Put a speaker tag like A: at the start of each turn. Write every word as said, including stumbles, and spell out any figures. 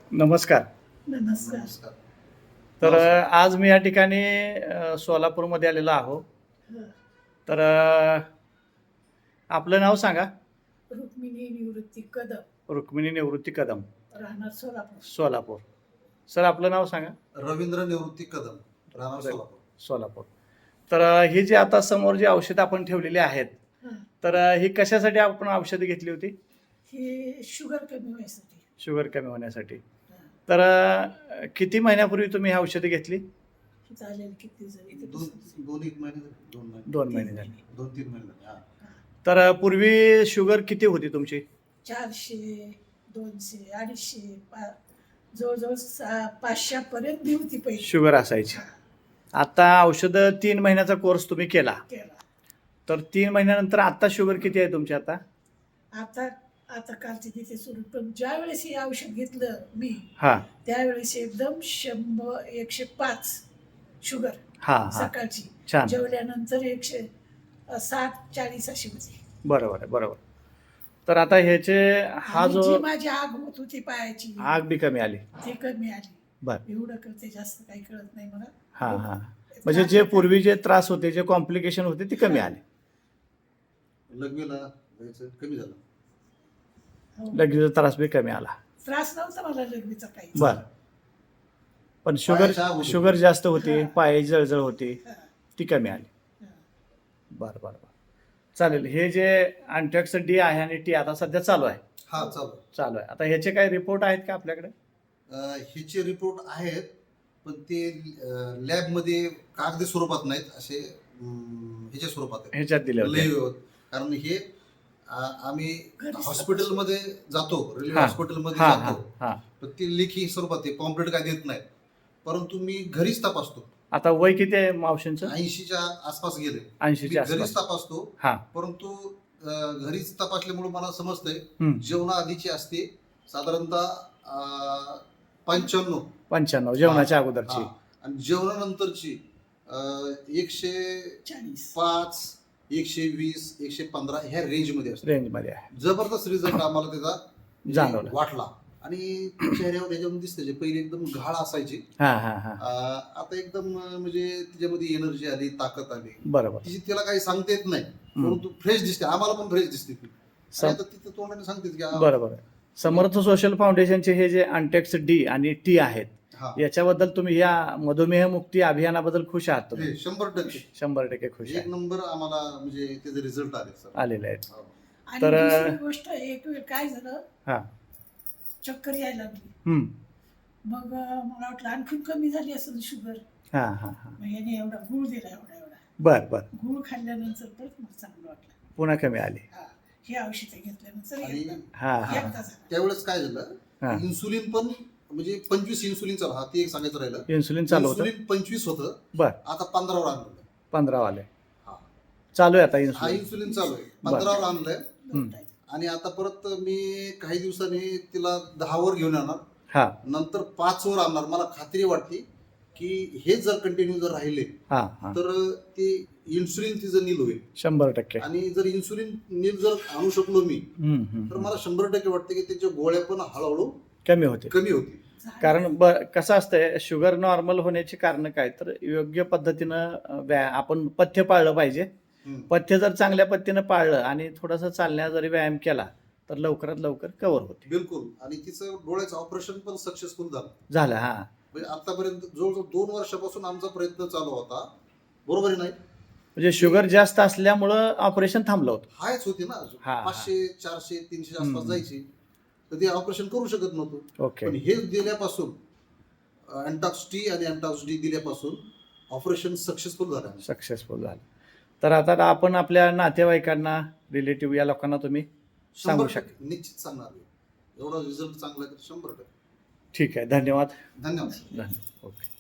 A: नमस्कार.
B: नमस्कार.
C: नमस्कार.
A: तर अ, आज मी या ठिकाणी अ, सोलापूरमध्ये आलेलो आहो.
B: हं.
A: तर अ, आपलं नाव सांगा.
B: रुक्मिणी निवृत्ती कदम,
A: रुक्मिणी निवृत्ती कदम,
B: राहणार सोलापूर.
A: सोलापूर. सर आपलं नाव सांगा.
C: रवींद्र निवृत्ती कदम, राहणार
A: र-
C: सोलापूर.
A: सोलापूर. तर अ, ही जी आता समोर जी औषधं आपण ठेवलेली आहेत,
B: हं.
A: तर अ, ही कशासाठी आपण औषधं घेतली होती?
B: हे शुगर कमी व्हायसाठी.
A: शुगर कमी होण्यासाठी.
B: हं.
A: तर अ, किती महिन्यापूर्वी तुम्ही ही औषधं घेतली?
B: हे झालेलं किती जण इथे
C: दोन
B: बसून.
C: दोन एक महिने झाले. दोन महिने
A: दोन महिने झाले.
C: दोन तीन महिने झाले. हा.
B: हं.
A: तर अ, पूर्वी शुगर किती होती तुमची?
B: चारशे, दोनशे, अडीचशे, पा जवळजवळ सा पाचशेपर्यंत बी होती पहिली.
A: शुगर असायची.
B: हं.
A: आता औषधं तीन महिन्याचा कोर्स तुम्ही केला.
B: केला.
A: तर तीन महिन्यानंतर आता शुगर किती आहे तुमची आता?
B: आता आता कालची तिथे सुरू, पण ज्या वेळेस हे औषध घेतलं मी
A: हां
B: त्यावेळेस एकदम शंभर एकशे पाच शुगर
A: हां हां
B: सकाळची.
A: छान.
B: जेवल्यानंतर एकशे अ, साठ चाळीस अशी होती.
A: बरोबर आहे बरोबर. तर आता ह्याचे हा
B: आणि
A: जो
B: जी माझी आग होत होती पायाची
A: आग बी कमी आली.
B: ती कमी आली.
A: बर
B: एवढं कळते, जास्त काही कळत नाही मला.
A: हां हां म्हणजे जे पूर्वी जे त्रास होते जे कॉम्प्लिकेशन होते ते कमी आले.
C: लघवीला जायचं कमी झालं.
B: हो.
A: लगेच त्रास बी कमी आला.
B: त्रास नव्हता मला लघवीचा काही.
A: बर पण शुगर
C: पायाची आग होती.
A: शुगर जास्त होती,
B: हां.
A: पायाची जळजळ होती,
B: हं,
A: ती कमी आली.
B: हं.
A: बरं बरं बरं चालेल. हे जे अँटॅक्स डी आहे आणि टी आता सध्या चालू आहे
C: हा चालू.
A: चालू आहे आता ह्याचे काही रिपोर्ट आहेत का आपल्याकडे?
C: अं, ह्याचे रिपोर्ट आहेत, पण ते लॅब मध्ये कागदी स्वरूपात नाहीत, असे अं, ह्याच्या स्वरूपात आहेत.
A: ह्याच्यात दिले होते.
C: लय कारण हे आ- आम्ही
B: घरीच
C: हॉस्पिटलमध्ये जातो, रेल्वे
A: हां.
C: हॉस्पिटलमध्ये
A: हां हां
C: जातो,
A: हां
C: पण ते लेखी स्वरूपात आहे, पॉम्पलेट काय देत नाहीत. परंतु मी घरीच तपासतो.
A: आता वय किती आहे मावशींचं?
C: ऐंशीच्या आसपास गेले.
A: ऐंशीच्या
C: मी घरीच
A: आसपास.
C: तपासतो.
A: हां
C: परंतु अं, घरीच तपासल्यामुळे मला समजतंय
A: हम्म.
C: जेवणा आधीची असते साधारणतः अं, पंच्याण्णव.
A: पंच्याण्णव जेवणाच्या अगोदरची.
C: हा. आणि जेवणानंतरची अं, एकशे
B: चाळीस.
C: पाच, एकशे वीस, एकशे पंधरा ह्या रेंजमध्ये असते.
A: रेंजमध्ये आहे.
C: जबरदस्त रिझल्ट आम्हाला त्याचा
A: जाणवला.
C: वाटला. आणि चेहऱ्यावर त्याच्यावर दिसते, जे पहिले एकदम घाळ असायची,
A: हां हां हां
C: अं, आता एकदम अं, म्हणजे त्याच्यामध्ये एनर्जी आली, ताकद आली.
A: बरोबर.
C: तिची तिला काही सांगता येत नाही,
A: हम्म.
C: परंतु फ्रेश दिसते. आम्हाला पण फ्रेश दिसते ती. आणि
A: सम-
C: आता तिथं तोंडाने सांगते की आ-
A: बरोबर आहे. समर्थ सोशल फाउंडेशनचे हे जे अँटेक्स डी आणि टी आहेत
C: हा.
A: याच्याबद्दल तुम्ही या मधुमेह मुक्ती अभियानाबद्दल खुश आहात तुम्ही?
C: हे शंभर टक्के
A: शंभर टक्के खुश
C: एक
A: आहे.
C: नंबर आम्हाला म्हणजे त्याचे रिझल्ट आले सर.
A: आलेले आहेत.
C: हो.
B: आणि
A: तर-
B: दुसरी गोष्ट, एक वेळ काय झालं,
A: हां
B: चक्कर यायला लागली.
A: हम्म.
B: मग अं, मला वाटलं आणखीन कमी झाली असेल शुगर.
A: हां हां हां
B: मग याने एवढा गुळ दिला, एवढा एवढा
A: बर बर
B: गुळ खाल्ल्यानंतर परत मला चांगलं वाटलं.
A: पुन्हा कमी आली.
B: हा, हे औषध घेतल्यानंतर
C: आणि
B: एकदा
A: हां हां
B: एकदा झालं.
C: त्यावेळेस काय झालं,
A: हां
C: इन्सुलिन पण म्हणजे पंचवीस इन्सुलिन चालू, हा ते एक सांगायचं राहिलं.
A: इन्सुलिन चालू होतं.
C: इन्सुलिन पंचवीस होतं,
A: बर
C: आता पंधरावर आणलं.
A: पंधरा वाले
C: हा.
A: चालू आहे आता
C: हा
A: इन्सुलिन.
C: इन्सुलिन चालू आहे, पंधरावर आणलंय.
B: दोन
A: हम्म.
B: टाईम.
C: आणि आता परत मी काही दिवसांनी तिला दहावर घेऊन येणार,
A: हां
C: नंतर पाच वर आणणार. मला खात्री वाटते की हे जर कंटिन्यू जर राहिले
A: हां हां
C: तर ते इन्सुलिन तिचं नील होईल.
A: शंभर टक्के.
C: आणि जर इन्सुलिन नील जर आणू शकलो मी,
A: हम्म, हम्म,
C: तर
A: हम्म.
C: मला शंभर टक्के वाटते की त्याच्या गोळ्या पण हळूहळू
A: कमी होते.
C: कमी होतील.
B: झालं.
A: कारण ब कसं असतंय, शुगर नॉर्मल होण्याची कारण काय, तर योग्य पद्धतीनं अ, व्या आपण पथ्य पाळलं पाहिजे.
C: हम्म.
A: पथ्य जर चांगल्या पद्धतीनं पाळलं आणि थोडासा चालण्या जरी व्यायाम केला तर लवकरात लवकर कव्हर होते.
C: बिलकुल. आणि तिचं डोळ्याचं ऑपरेशन पण सक्सेसफुल झालं.
A: झालं हां
C: म्हणजे आतापर्यंत जवळजवळ दोन वर्षापासून आमचा प्रयत्न चालू होता, बरोबर आहे नाही?
A: म्हणजे शुगर जास्त असल्यामुळं ऑपरेशन थांबलं होतं.
C: हायच होती ना,
A: हा.
C: पाचशे चारशे तीनशे आसपास
A: हम्म.
C: जायची, तर ते ऑपरेशन करू शकत नव्हतो.
A: ओके
C: पण हे दिल्यापासून अँटॉक्स टी आणि अँटॉक्स डी दिल्यापासून ऑपरेशन सक्सेसफुल झालं.
A: सक्सेसफुल झालं. तर आता आपण आपल्या नातेवाईकांना, रिलेटिव्ह या लोकांना तुम्ही सांगू
C: शंभर
A: शकता.
C: टक्के निश्चित सांगणार मी. एवढा रिझल्ट चांगला आहे तर शंभर टक्के.
A: ठीक आहे. धन्यवाद.
C: धन्यवाद.
A: धन्यवाद. ओके.